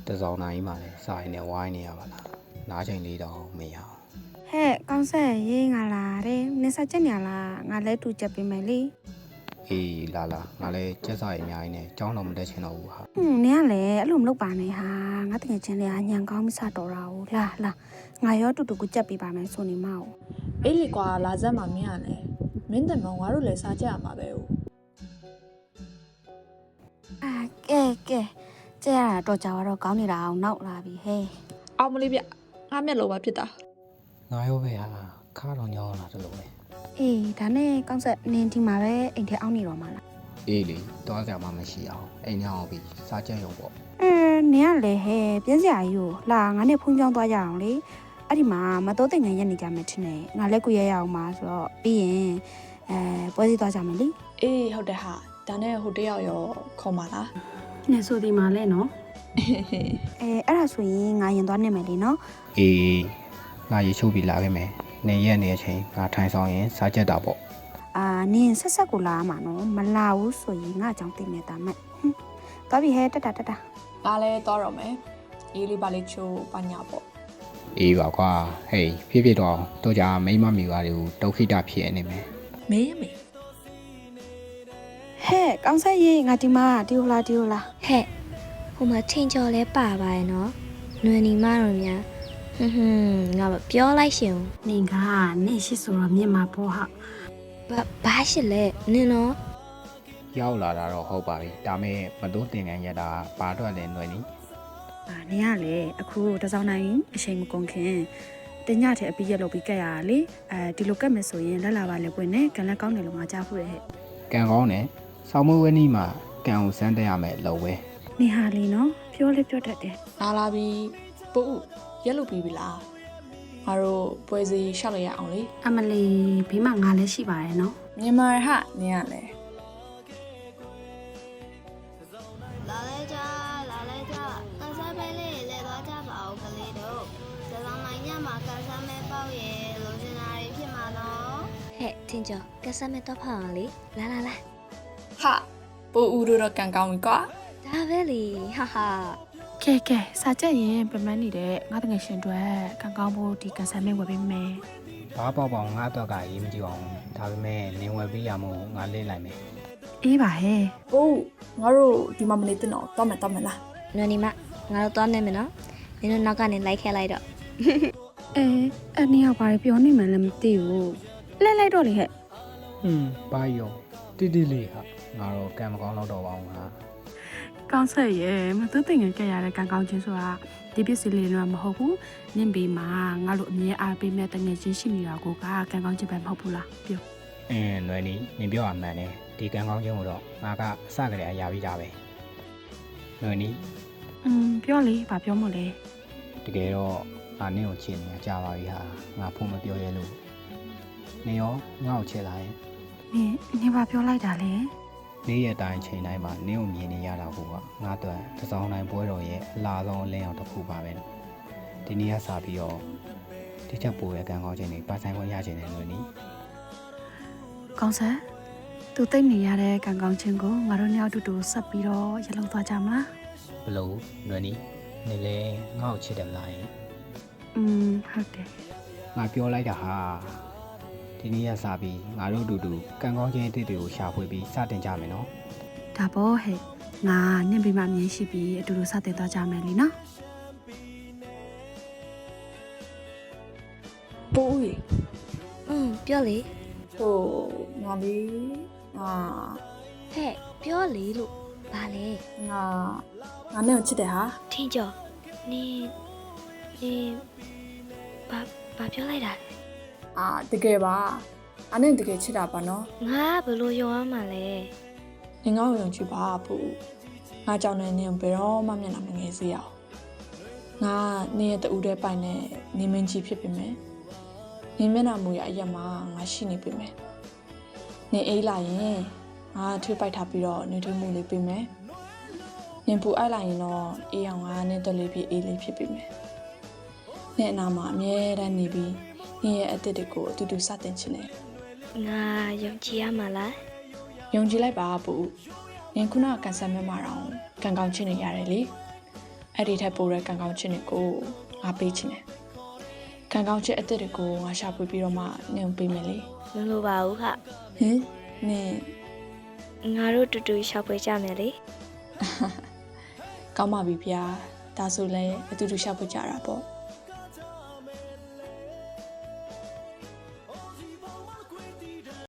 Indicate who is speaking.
Speaker 1: တစောင်းနိုင်မှလည်းစာရင်းနဲ့ဝိုင်းနေရပါလားနားချိန်လေးတော့မရအောင်
Speaker 2: ဟဲ့ကောင်းဆက်ရေးငါလာတယ်နင်စားချက်ညာလားငါလဲတူချက်ပေးမယ်လေ
Speaker 1: အေးလာငါလည်းကျက်စာရည်အများကြီးနဲ့ကြောင်းတော့မတက်ချင်တော့ဘူးဟာ
Speaker 2: နင်ကလည်းအဲ့လိုမလုပ်ပါနဲ့ဟာငါတကယ်ချင်းလေညံကောင်းမစတော့တာဘူးလာငါရောတူတူကိုချက်ပေးပါမယ်ဆိုနေမအောင်
Speaker 3: အေးလေကွာလာစက်မှာမင်းရလဲမင်းတမောင်ငါတို့လည်းစားကြရမှာပဲဟုတ်
Speaker 2: ကဲကျဲရတာတော့ကြာတော့ကောင်းနေတာအောင်နောက်လာပြီဟဲ့
Speaker 3: အောင်မလေးဗျငါမျက်လုံးပါဖြစ်တာ
Speaker 1: ငါရောပဲဟာခါတော့ညောင်းလာတယ်လို့ပဲ
Speaker 2: အေးဒါနဲ့ကောင်းဆက်နင်ဒီမှာပဲအိမ်ထဲအောင်နေတော့မှာလား
Speaker 1: အေးလေတွားကြမှာမရှိအောင်အိမ်ညောင်းပြီးစားချက်ရုံပေါ့
Speaker 2: နင်ကလည်းဟဲ့ပြင်းစရာကြီးကိုလာငါနဲ့ဖုန်းကြောင်းသွားကြအောင်လေအဲ့ဒီမှာမတော်တဲ့ငန်းရက်နေကြမယ်ထင်တယ်ငါလည်းကိုရရအောင်ပါဆိုတော့ပြီးရင်ပွဲစီသွားကြမယ်လေ
Speaker 3: အေးဟုတ်တယ်ဟာဒါနဲ့ဟိုတယောက်ရောခေါ်ပါလား
Speaker 2: နင်ဆိုဒီမှာလဲနော်အဲ့ဒါဆိုရင်ငါရင်သွားနေမယ်လေနော်
Speaker 1: အေးငါရေချိုးပြီးလာခဲ့မယ်နေရက်နေတဲ့အချိန်ငါထိုင်ဆောင်ရင်စားချက်တာပေါ့
Speaker 2: နင်ဆက်ကိုလာမှာနော်မလာဘူးဆိုရင်ငါကြောင့်သိနေတာမဲ့သွားပြီဟဲ့တက်တာ
Speaker 3: ငါလည်းသွားတော့မယ်အေးလေးပါလေးချိုးပညာပေါ့
Speaker 1: အေးပါကွာဟေးဖြစ်တော့တော့ကြာမိမမိသားတွေကိုဒုက္ခိတဖြစ်နေမယ်
Speaker 3: မင်းမေ
Speaker 2: ဟဲ့ကောင်းဆက်ရေးငါဒီမှာဒီဟိုလား
Speaker 4: ဟဲ့ဟိုမှာထင်ကျော်လဲပါပါရဲ့နော်နွယ်နီမတို့များငါပြောလိုက်ရှင်
Speaker 2: နင်ကနင်ရှိဆိုတော့မြင်မှာပေါ့ဟာ
Speaker 4: ဘာရှိလဲနင်နော်
Speaker 1: ရောက်လာတာတော့ဟုတ်ပါပြီဒါမဲ့မတိုးတင်ကန်ရတာဘာတော့လဲຫນွယ်နီ
Speaker 2: နင်ကလေအခုတစောင်းနိုင်အချိန်မကုန်ခင်တညထဲအပြီးရက်လုပ်ပြီးကက်ရတာလေဒီလိုကက်မယ်ဆိုရင်လက်လာပါလေပွင့်နဲ့ကန်လက်ကောင်းတယ်လို့ငါကြားဖို့ရဟဲ့
Speaker 1: ကံကောင်းတယ်ဆောင်းမွေးဝဲနီးမှာကံကိုစမ်းတက်ရမယ်လို့ဝဲ
Speaker 2: နင်ဟာလေနော်ပြောလေပြောတတ်တယ်
Speaker 3: လာလာပြီးပို့ရက်လို့ပြီးပြီလားငါတို့ပွဲစီရှောက်လိုက်ရအောင်လေ
Speaker 2: အမလီဘေးမှာငါလည်းရှိပါတယ်နော်
Speaker 3: မြန်မာဟာနင်ကလည်း
Speaker 5: လာလဲကြကန်ဆာပဲလေးလဲသွားကြပါဦးကလေးတို့ဒီလောင်နိုင်ညမှာကန်ဆာမဲပေါက်ရဲ့လိုချင်တာတွေဖြစ်မှာနော်
Speaker 4: ဟဲ့ထင်ကျော်ကစားမဲ့တော့ဖောက်အောင်လေလာ
Speaker 3: ဟာပို့ဦးတို့တော့ကန်ကောင်းပြီကွာ
Speaker 4: ဒါပဲလေဟာ
Speaker 2: ကဲစာချက်ရင်ပြမန်းနေတဲ့ငါတငယ်ရှင်တွေကန်ကောင်းဖို့ဒီကန်ဆာမဲဝယ်ပေးမယ်
Speaker 1: ဘာပေါ့ငါတော့ကရေးမကြည့်အောင်ဒါပေမဲ့နင်ဝယ်ပြီးရမို့ငါလေးလိုက်မယ်
Speaker 2: အေးပါဟဲ့
Speaker 3: ပို့ငါတို့ဒီမှာမနေတော့တော့မယ်လား
Speaker 4: နွယ်နီမငါတို့သွားနေမယ်နော်နင်တို့နောက်ကနေလိုက်ခဲလိုက်တော့
Speaker 2: အဲ့နင်ကဘာပြောနေမှလည်းမသိဘူးလိုက်တော့လေဟဲ့
Speaker 1: ဘာရောတိလေးဟာငါတော့ကံမကောင်းတော့ပါဘူးငါ
Speaker 2: ကောင်းဆက်ရဲ့မသူတင်ငယ်ကြရတဲ့ကန်ကောင်းချင်းဆိုတာဒီပစ္စည်းလေးတော့မဟုတ်ဘူးနင့်ဘေးမှာငါတို့အမြဲအားပေးမဲ့တငယ်ချင်းရှိနေတာကိုကကန်ကောင်းချင်းပဲမဟုတ်ဘူးလားပြော
Speaker 1: ຫນွယ်နီနင်ပြောရမှန်တယ်ဒီကံကောင်းခြင်းကိုတော့ငါကအစကတည်းကရပြီးသားပဲຫນွယ်နီ
Speaker 2: ပြောလေဘာပြောမို့လဲ
Speaker 1: တကယ်တော့ငါနင့်ကိုချစ်နေတာကြာပါပြီဟာငါဖုန်းမပြောရဲလို့နင်ရောငါ့ကိုချစ်လာရင်
Speaker 2: နင်ဘာပြောလိုက်တာလဲ
Speaker 1: နေ့ရက်တိုင်းချိန်တိုင်းမှာနင်းကိုမြင်နေရတာကိုကငါတို့တစောင်းတိုင်းပွဲတော်ရဲ့အလားဆုံးအလင်းအောင်တစ်ခုပါပဲနော်ဒီနေ့ကစပြီးတော့ဒီချက်ပိုရဲ့ကံကောင်းခြင်းတွေပါဆိုင်ခွင့်ရခြင်းတွေလို့နီး
Speaker 2: ကောင်းဆက်သူတိတ်နေရတဲ့ကန်ကောင်းချင်းကိုငါတို့ညောက်တူတူဆက်ပြီးတော့ရလုံသွားကြမလား
Speaker 1: ဘလို့လွယ်နီးနေလေငါ့ကိုချစ်တယ်မလားယင်
Speaker 2: ဟုတ်တယ်
Speaker 1: ငါပြောလိုက်တာဟာဒီနေ့ကစပြီးငါတို့အတူတူကံကောင်းခြင်းအသစ်တွေကိုရှာဖွေပြီးစတင်ကြမယ်နော်
Speaker 2: ဒါပေါ့ဟဲ့ငါနင့်ဘေးမှာမြင်ရှိပြီးအတူတူစတင်သွားကြမယ်လीနော်
Speaker 3: ပို့ဦး
Speaker 4: ပြောလေ
Speaker 3: ဟိုငါလေးငါ
Speaker 4: ဟဲ့ပြောလေလို့ဘာလဲ
Speaker 3: ငါနဲ့ကိုချစ်တယ်ဟာ
Speaker 4: ထင်ကျော်နင်ဘာပြောလိုက်တာလဲ
Speaker 3: တကယ်ပါအနဲ့တကယ်ချစ်တာပါနော်
Speaker 4: ငါဘယ်လိုယုံရမှာလဲ
Speaker 3: နင်ငါ့ကိုယုံကြည်ပါပို့ငါကြောင့်လည်းနင်ဘယ်တော့မှမျက်နှာမငယ်စေရအောင်ငါနင်ရဲ့တူတဲ့ပိုင်နဲ့နေမင်းကြီးဖြစ်ပြီမယ်နင်မျက်နှာမူရအရက်မှာငါရှိနေပြီမယ်နင်အေးလာရင်ငါထွေးပိုက်ထားပြီးတော့နေထွေးမှုလေးပြင်မယ်နင်ပူအိုက်လာရင်တော့အေးအောင်ငါနဲ့တက်လေးဖြစ်အေးလေးဖြစ်ပြီမယ်နင်အနာမှာအမြဲတမ်းနေပြီးနင်ရဲ့အသက်တွေကိုအတူတူစတင်ချင်တယ်
Speaker 4: ငါယုံကြည်ရမှာလား
Speaker 3: ယုံကြည်လိုက်ပါပို့နင်ခုနကန်ဆယ်မဲမှာတော့ကန်ကောင်းချင်းနေရတယ်လေအဲ့ဒီထက်ပိုတဲ့ကံကောင်းခြင်းတွေကိုငါပေးချင်တယ်ကံကောင်းခြင်းအစ်စ်တွေကိုငါရှာဖွေပြီးတော့မှနင်ပေးမယ်လေ
Speaker 4: မလိုပါဘူးခ
Speaker 3: ဟင်နင်
Speaker 4: ငါတို့တူတူရှောက်ဖွေကြမယ်လေ
Speaker 3: ကောင်းပါပြီဗျာဒါဆိုလဲအတူတူရှာဖွေကြတာပေါ့